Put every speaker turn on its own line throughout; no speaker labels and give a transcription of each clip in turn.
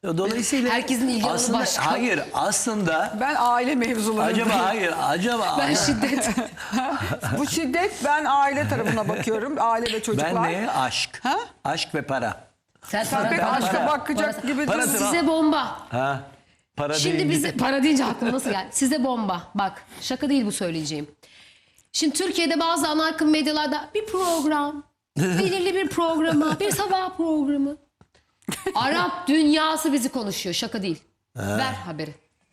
Dolayısıyla
Herkesin ilgi alanı
aslında,
başka.
hayır aslında
Ben aile mevzularındayım.
acaba
Ben şiddet.
Bu şiddet, ben aile tarafına bakıyorum. Aile ve çocuklar.
ben neye? Aşk.
Ha?
Aşk ve para.
Sen
Sen pek
para-
aşka bakacak gibi
Para-
durmuyorsun.
Size bomba.
Ha? Para
Şimdi
deyince-
bize para deyince aklıma nasıl geldi? Size bomba. Bak şaka değil bu söyleyeceğim. Şimdi Türkiye'de bazı ana akım medyalarda bir program, belirli bir programa, bir sabah programı. Arap dünyası bizi konuşuyor. Şaka değil. Ver haberi.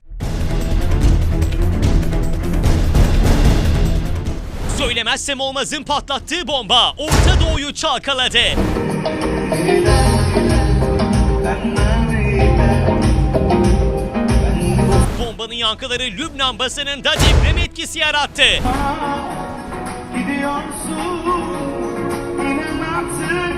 Söylemezsem olmazın patlattığı bomba Orta Doğu'yu çalkaladı. Bombanın yankıları Lübnan basınında deprem etkisi yarattı.
Gidiyorsun inan artık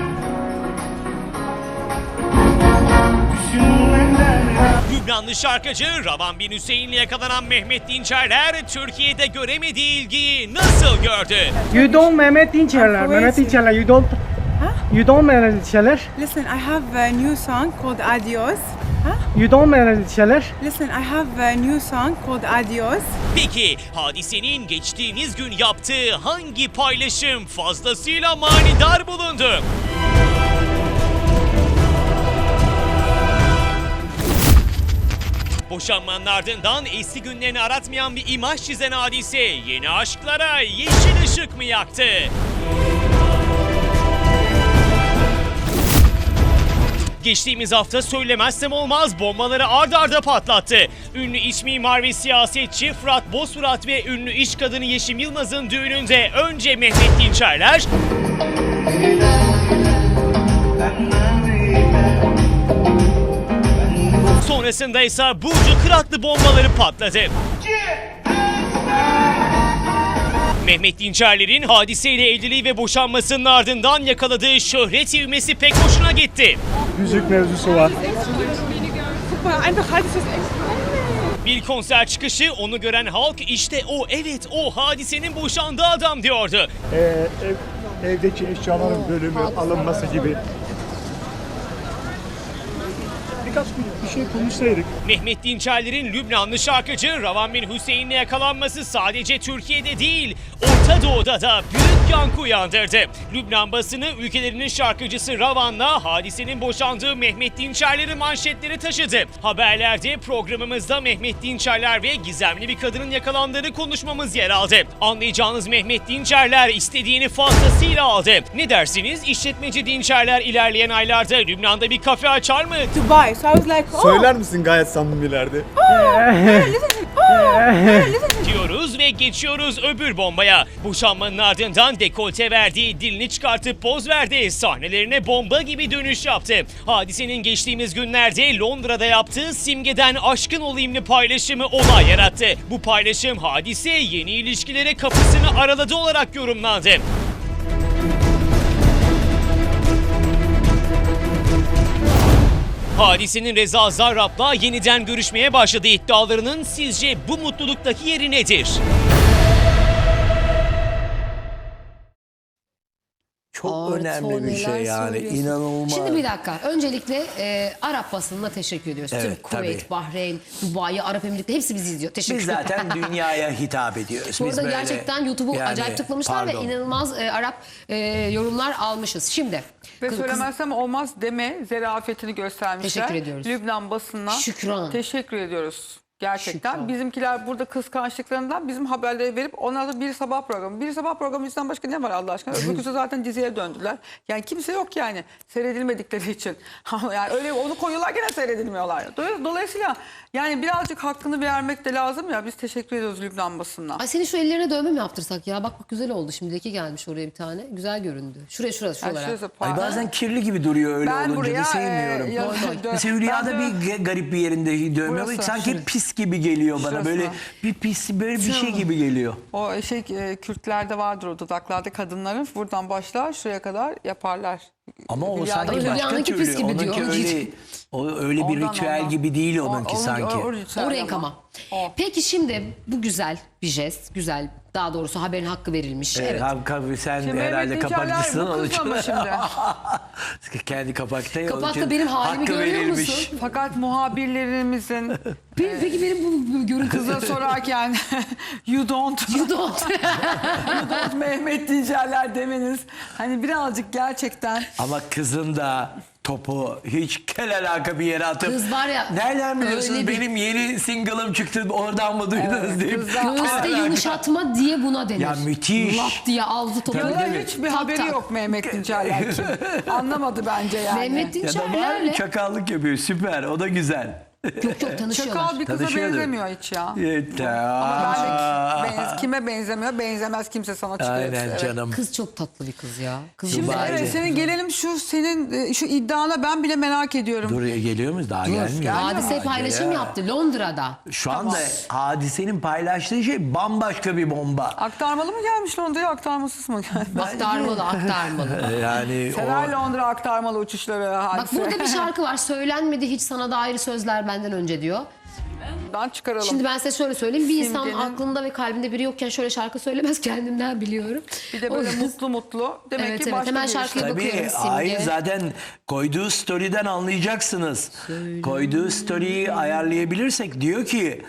düşünmeden
Lübnanlı şarkıcı Ravan bin Hüseyin'le yakalanan Mehmet Dinçerler Türkiye'de göremediği ilgiyi nasıl gördü?
You don't Mehmet Dinçerler. Mehmet Dinçerler. You don't Mehmet Dinçerler.
Listen, I have a new song called Adios.
You don't Mehmet Dinçerler.
Listen, I have a new song called Adios.
Peki Hadise'nin geçtiğimiz gün yaptığı hangi paylaşım fazlasıyla manidar bulundu? Boşanmanın ardından eski günlerini aratmayan bir imaj çizen Hadise yeni aşklara yeşil ışık mı yaktı? Geçtiğimiz hafta söylemezsem olmaz bombaları ard arda patlattı. Ünlü iç mimar ve siyasetçi Fırat Bozfırat ve ünlü iş kadını Yeşim Yılmaz'ın düğününde önce Mehmet Dinçerler, sonrasında ise Burcu Kıratlı bombaları patladı. Mehmet Dinçerler'in Hadise'yle evliliği ve boşanmasının ardından yakaladığı şöhret ivmesi pek hoşuna gitti.
Müzik mevzusu var.
Bir konser çıkışı onu gören halk işte o, evet o Hadise'nin boşandığı adam diyordu.
Evdeki eşyaların bölümü alınması gibi. Birkaç bir şey konuşsaydık.
Mehmet Dinçerler'in Lübnanlı şarkıcı Ravan bin Hüseyin'le yakalanması sadece Türkiye'de değil, Orta Doğu'da da büyük yankı uyandırdı. Lübnan basını ülkelerinin şarkıcısı Ravan'la Hadise'nin boşandığı Mehmet Dinçerler'i manşetleri taşıdı. Haberlerde programımızda Mehmet Dinçerler ve gizemli bir kadının yakalandığını konuşmamız yer aldı. Anlayacağınız Mehmet Dinçerler istediğini fazlasıyla aldı. Ne dersiniz? İşletmeci Dinçerler ilerleyen aylarda Lübnan'da bir kafe açar mı?
Dubai. So I was like, oh,
Söyler misin gayet samimilerde?
Diyoruz ve geçiyoruz öbür bombaya. Boşanmanın ardından dekolte verdiği, dilini çıkartıp poz verdi. Sahnelerine bomba gibi dönüş yaptı. Hadisenin geçtiğimiz günlerde Londra'da yaptığı simgeden aşkın olayımlı paylaşımı olay yarattı. Bu paylaşım Hadise yeni ilişkilere kapısını araladı olarak yorumlandı. Hadise'nin Reza Zarrab'la yeniden görüşmeye başladığı iddialarının sizce bu mutluluktaki yeri nedir?
Çok
Artı
önemli
o
bir şey
neler
yani,
söylüyorsun.
inanılmaz.
Şimdi bir dakika. Öncelikle Arap basınına teşekkür ediyoruz.
Evet,
Tüm Kuveyt,
tabii.
Bahreyn, Dubai, Arap Emirlikleri hepsi bizi izliyor. Teşekkür
Biz
ederim.
zaten dünyaya hitap ediyoruz.
Bu
Biz
arada
böyle,
gerçekten YouTube'u
yani,
acayip tıklamışlar ve
pardon.
inanılmaz Arap yorumlar almışız. Şimdi
Ve söylemezsem olmaz deme zerafetini göstermişler.
Teşekkür ediyoruz.
Lübnan basınına
Şükran.
teşekkür ediyoruz. Gerçekten.
Şükran.
Bizimkiler burada kıskançlıklarından bizim haberleri verip ondan sonra bir sabah programı. Bir sabah programı yüzünden başka ne var Allah aşkına? Öbürküsü zaten diziye döndüler. Yani kimse yok yani seyredilmedikleri için. Yani öyle onu koyuyorlar gene seyredilmiyorlar. Dolayısıyla yani birazcık hakkını vermek de lazım ya. Biz teşekkür ediyoruz Lübnan basınına.
Ay senin şu ellerine dövme mi yaptırsak ya? Bak güzel oldu. Şimdiki gelmiş oraya bir tane. Güzel göründü. Şuraya
Yani
şuralara.
şurası
Ay
pardon.
bazen kirli gibi duruyor öyle
Ben
olunca
buraya,
da sevmiyorum.
ya-
Mesela Hülya'da
ben
bir garip bir yerinde dövme var.
Burası,
Sanki
şurası.
pis gibi geliyor bana.
Şurası.
Böyle bir pis, böyle bir şey gibi geliyor.
O Kürtlerde vardır o dudaklarda kadınların buradan başlar şuraya kadar yaparlar.
Ama o
Hülya'da
sanki
öyle.
başka
Hülya'nınki
türlü.
pis gibi diyor.
Onunki öyle, o öyle bir
Ondan,
ritüel
ondan.
gibi değil onunki sanki.
O renk ama.
O.
Peki şimdi bu güzel bir jest. Güzel. Daha doğrusu haberin hakkı verilmiş. Evet.
Sen
Şimdi
herhalde
Mehmet Dinçerler
kapakçısın.
bu
onun
kız
için-
ama şimdi.
Kendi kapakta. onun
Kapakta
için
benim halimi
hakkı
görüyor
verilmiş.
musun?
Fakat muhabirlerimizin
Peki benim bu görüntü
kıza sorarken you don't Mehmet Dinçerler demeniz hani birazcık gerçekten
Ama kızın da topu hiç kel alaka bir yere atıp.
Kız var ya,
Nereden biliyorsunuz
öyle bir-
benim yeni single'ım çıktı oradan mı duydunuz deyip.
kızlar-
kel
göğüste
alaka.
yumuşatma diye buna denir.
Ya müthiş.
Lap diye aldı topu.
ya da
Tabii.
hiçbir
Tak
haberi
tak.
yok Mehmet Dinçerler kim. Anlamadı bence yani.
Mehmet
Ya da var
Dinçerler'le
çakallık yapıyor süper o da güzel.
çok tanışıyorlar.
Çakal bir kıza
Tanışıyordur.
benzemiyor hiç ya.
Evet.
Ama ben de kime benzemiyor? Benzemez kimse sana çıkıyor.
Aynen
Evet.
canım.
Kız çok tatlı bir kız ya. Kız
Şimdi
Dubai'de.
evet senin gelelim senin şu iddiana ben bile merak ediyorum.
Dur geliyor muyuz? Daha gelmiyor.
Hadise paylaşım
Ya.
yaptı Londra'da.
Şu anda hadisenin paylaştığı şey bambaşka bir bomba.
Aktarmalı mı gelmiş Londra'ya aktarmasız mı gelmiş?
Aktarmalı aktarmalı.
Yani
Sever
o
Londra aktarmalı uçuşları
Bak
hadise.
burada bir şarkı var. Söylenmedi hiç sana dair sözler benden önce diyor.
Buradan çıkaralım.
Şimdi ben size şöyle söyleyeyim. Bir insan
Simge'nin-
aklında ve kalbinde biri yokken şöyle şarkı söylemez, kendimden biliyorum.
bir de böyle mutlu mutlu. Demek
Evet,
ki
evet.
başka
Hemen
bir
şarkıya
işte.
bakıyorum.
tabii
Simge.
hayır zaten koyduğu story'den anlayacaksınız. Koyduğu story'yi ayarlayabilirsek diyor ki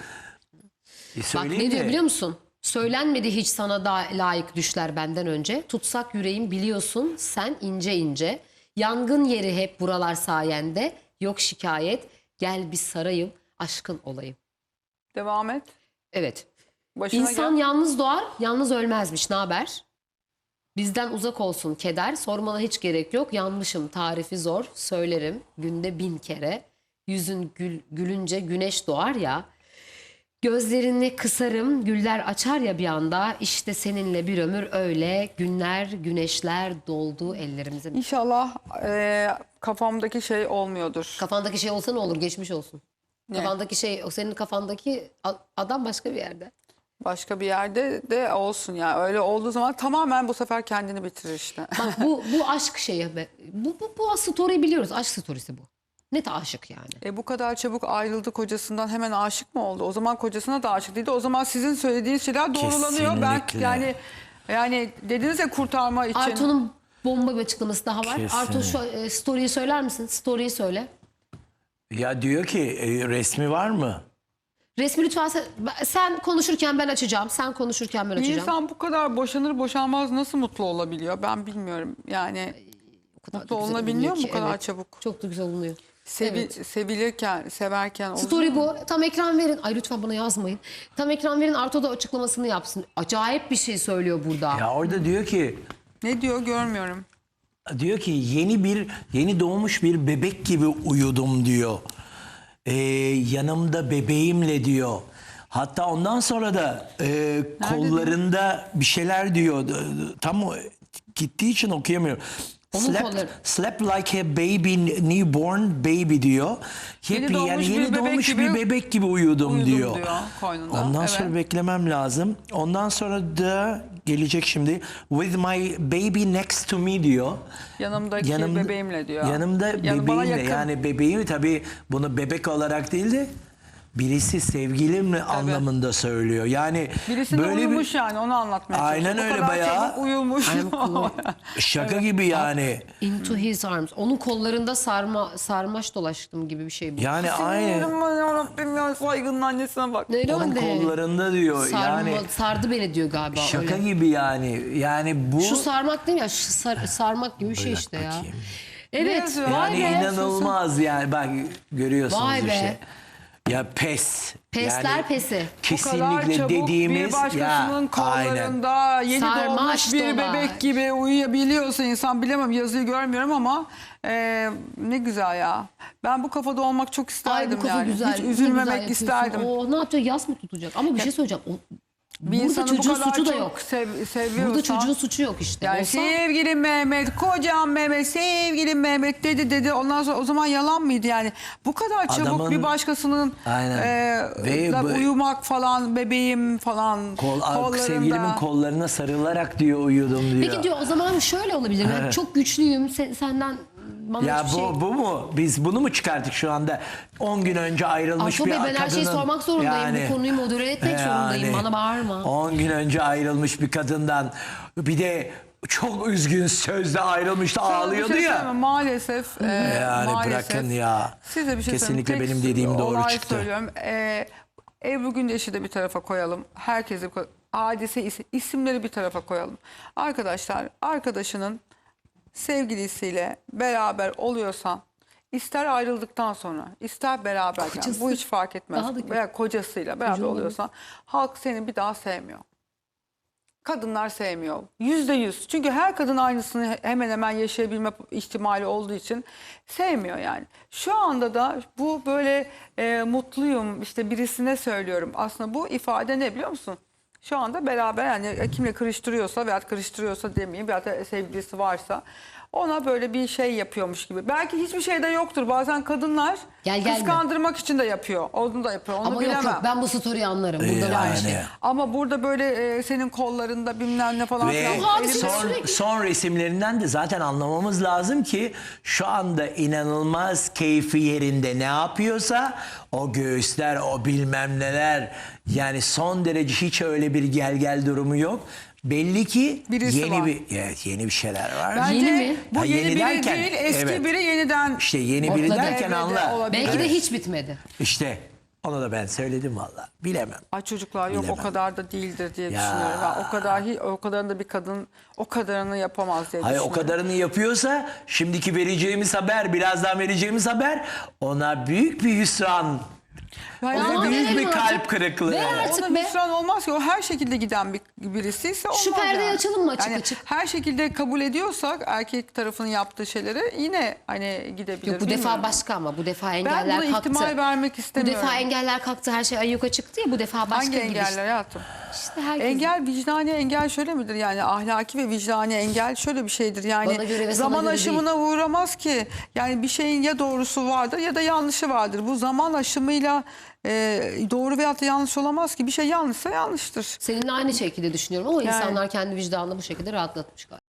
Bak
söyleyeyim
ne diyor
de,
biliyor musun? Söylenmedi hiç sana da layık düşler benden önce. Tutsak yüreğim biliyorsun sen ince ince. Yangın yeri hep buralar sayende. Yok şikayet. Gel bir sarayım aşkın olayım.
Devam et.
Evet.
Başına
İnsan
gel.
yalnız doğar, yalnız ölmezmiş. Ne haber? Bizden uzak olsun keder. Sormana hiç gerek yok. Yanmışım, tarifi zor. Söylerim günde 1000 kere. Yüzün gülünce güneş doğar ya. Gözlerini kısarım, güller açar ya bir anda. İşte seninle bir ömür öyle. Günler, güneşler doldu ellerimize.
İnşallah kafamdaki şey olmuyordur.
Kafandaki şey olsa ne olur? Geçmiş olsun. Kafandaki şey, o senin kafandaki adam başka bir yerde.
Başka bir yerde de olsun ya. Öyle olduğu zaman tamamen bu sefer kendini bitirir işte.
Bak bu aşk şeyi. Bu story'i biliyoruz. Aşk storiesi bu. Net aşık yani.
Bu kadar çabuk ayrıldı kocasından hemen aşık mı oldu? O zaman kocasına da aşık değildi. O zaman sizin söylediğiniz şeyler doğrulanıyor. Ben
Kesinlikle.
yani dediniz ya kurtarma için.
Arto'nun bomba bir açıklaması daha var.
Kesin.
Arto şu story'yi söyler misin? Story'yi söyle.
ya diyor ki resmi var mı?
Resmi lütfen sen konuşurken ben açacağım. Sen konuşurken ben
Bir
açacağım.
insan bu kadar boşanır boşanmaz nasıl mutlu olabiliyor? Ben bilmiyorum. Yani
O kadar da
mutlu
güzel
olunabiliyor mu
olunuyor
bu
ki,
kadar
evet.
çabuk?
Çok da güzel olunuyor. Evet.
Sevilirken, severken.
Story bu. Tam ekran verin. Ay lütfen bana yazmayın. Tam ekran verin. Arto da açıklamasını yapsın. Acayip bir şey söylüyor burada.
Ya orada diyor ki
Ne diyor görmüyorum.
yeni doğmuş bir bebek gibi uyudum diyor. Yanımda bebeğimle diyor. Hatta ondan sonra da kollarında bir şeyler diyor. Tam gittiği için okuyamıyorum.
Onun kolları.
Slept like a baby, newborn baby diyor.
Yeni doğmuş bir
Yeni
bebek
doğmuş
gibi
bir bebek gibi uyudum
uyudum
diyor.
diyor koynunda,
Ondan
evet.
sonra beklemem lazım. Ondan sonra da gelecek şimdi. With my baby next to me diyor.
Yanımdaki bebeğimle diyor.
Yanımda
Yani bana
bebeğimle
yakın.
yani bebeğim tabii bunu bebek olarak değil de birisi sevgilimle anlamında söylüyor. Yani
Birisine
böyle
uyumuş yani onu anlatmaya
Aynen
çalışıyor.
öyle
O kadar
bayağı.
çabuk uyumuş.
şaka gibi yani.
Into his arms. Onun kollarında sarmaş dolaştım gibi bir şey bu.
Yani aynı.
Yarabbim ya saygının annesine bak.
Neyle
Onun
önde?
kollarında diyor yani.
Sardı beni diyor galiba.
Şaka
öyle.
gibi yani. Yani bu
Şu sarmak değil mi ya? Şu sarmak gibi bir şey işte ya.
bakayım.
Evet.
yazıyor?
Vay
yani
be.
inanılmaz yani bak görüyorsunuz
Vay be.
işte. Ya pes.
Pesler
Yani
pesi.
Bu kadar
kesinlikle
çabuk
dediğimiz
bir başkasının kollarında yeni
Sarmaş
doğmuş bir
dolaş.
bebek gibi uyuyabiliyorsa insan bilemem yazıyı görmüyorum ama ne güzel ya. Ben bu kafada olmak çok
Ay
isterdim
bu kafa
yani.
güzel.
Hiç
ne
üzülmemek
güzel yapıyorsun.
isterdim.
O ne yapacak? Yas mı tutacak? Ama bir şey söyleyeceğim.
Bir
Burada
insanı bu
çocuğun
kadar
suçu da
çok
yok.
seviyorsan.
Burada çocuğun suçu yok işte.
Yani
Olsa
sevgilim Mehmet, kocam Mehmet, sevgilim Mehmet dedi. Ondan sonra o zaman yalan mıydı yani? Bu kadar çabuk
Adamın-
bir başkasının
Aynen. Ve bu-
uyumak falan, bebeğim falan kollarında.
sevgilimin kollarına sarılarak diyor uyudum diyor.
peki diyor o zaman şöyle olabilir. Ben çok güçlüyüm. Senden bana
Ya
hiçbir şey...
bu mu? Biz bunu mu çıkarttık şu anda? 10 gün önce ayrılmış
Arto
bir
Bey, ben
kadının.
her şeyi sormak zorundayım. Bu konuyu modere etmek zorundayım. Bana bağırma.
10 gün önce ayrılmış bir kadından bir de çok üzgün sözle ayrılmıştı,
Sana bir
ağlıyordu
şey
ya.
söyleyeyim mi? Maalesef.
Yani
maalesef.
bırakın ya.
Size bir şey
Kesinlikle
söyleyeyim.
benim dediğim doğru
olay
çıktı.
Söylüyorum. Ebru Gündeş'i de bir tarafa koyalım. Herkesi hadise isimleri bir tarafa koyalım. Arkadaşlar, arkadaşının sevgilisiyle beraber oluyorsan, ister ayrıldıktan sonra, ister beraberken,
Kocası.
bu hiç fark etmez.
Daha da kötü.
Veya kocasıyla beraber
Koca olabilir.
oluyorsan, halk seni bir daha sevmiyor. Kadınlar sevmiyor. %100. Çünkü her kadın aynısını hemen hemen yaşayabilme ihtimali olduğu için sevmiyor yani. Şu anda da bu böyle mutluyum işte birisine söylüyorum. Aslında bu ifade ne biliyor musun? Şu anda beraber yani kimle kırıştırıyorsa veya kırıştırıyorsa demeyeyim veya da sevgilisi varsa ona böyle bir şey yapıyormuş gibi. Belki hiçbir şey de yoktur. Bazen kadınlar
Gel, gelme.
kıskandırmak için de yapıyor. Onu da yapıyor. Onu
Ama
bilemem.
yok ben bu story'i anlarım. Burada var bir şey.
Yani.
Ama burada böyle senin kollarında bilmem ne falan
Ve
filan.
hadise
Elimde-
sürekli-
son resimlerinden de zaten anlamamız lazım ki şu anda inanılmaz keyfi yerinde ne yapıyorsa o göğüsler, o bilmem neler, yani son derece hiç öyle bir gel durumu yok. Belli ki
Birisi
yeni
var.
yeni bir şeyler var.
Bence
Yeni mi?
bu
Ha,
yeni,
yeni
biri
derken,
değil, eski
evet.
biri yeniden.
İşte yeni biri
Ortada.
derken
Evet,
anla.
olabilir.
Belki de hiç bitmedi.
İşte onu da ben söyledim valla. Bilemem.
Ay çocuklar yok
Bilemem.
o kadar da değildir diye
Ya.
düşünüyorum. Ben o kadarını da bir kadın o kadarını yapamaz diye
Hayır, o
düşünüyorum.
kadarını yapıyorsa şimdiki vereceğimiz haber, birazdan vereceğimiz haber ona büyük bir hüsran.
Yani
O
Ona
zaman
büyük
verelim
bir
artık.
kalp kırıklığı.
Ver artık
Ona
be.
hüsran olmaz ki o her şekilde giden birisi ise olmaz.
Şu perdeyi
yani.
açalım mı açık
Yani
açık?
her şekilde kabul ediyorsak erkek tarafının yaptığı şeyleri yine hani gidebilir.
Yok bu
bilmiyorum.
defa başka ama bu defa
Ben
engeller
buna
kalktı.
ihtimal vermek
Bu
istemiyorum.
defa engeller kalktı, her şey ayyuka çıktı ya, bu defa başka
Hangi
gibi
engeller
işte.
hayatım?
İşte herkes-
Engel, vicdani engel şöyle midir? Yani ahlaki ve vicdani engel şöyle bir şeydir. Yani
Bana göre ve sana
zaman
göre
aşımına uğramaz ki. Yani bir şeyin ya doğrusu vardır ya da yanlışı vardır. Bu zaman aşımıyla doğru veyahut da yanlış olamaz ki. Bir şey yanlışsa yanlıştır.
Seninle aynı şekilde düşünüyorum ama
Yani.
insanlar kendi vicdanını bu şekilde rahatlatmış galiba.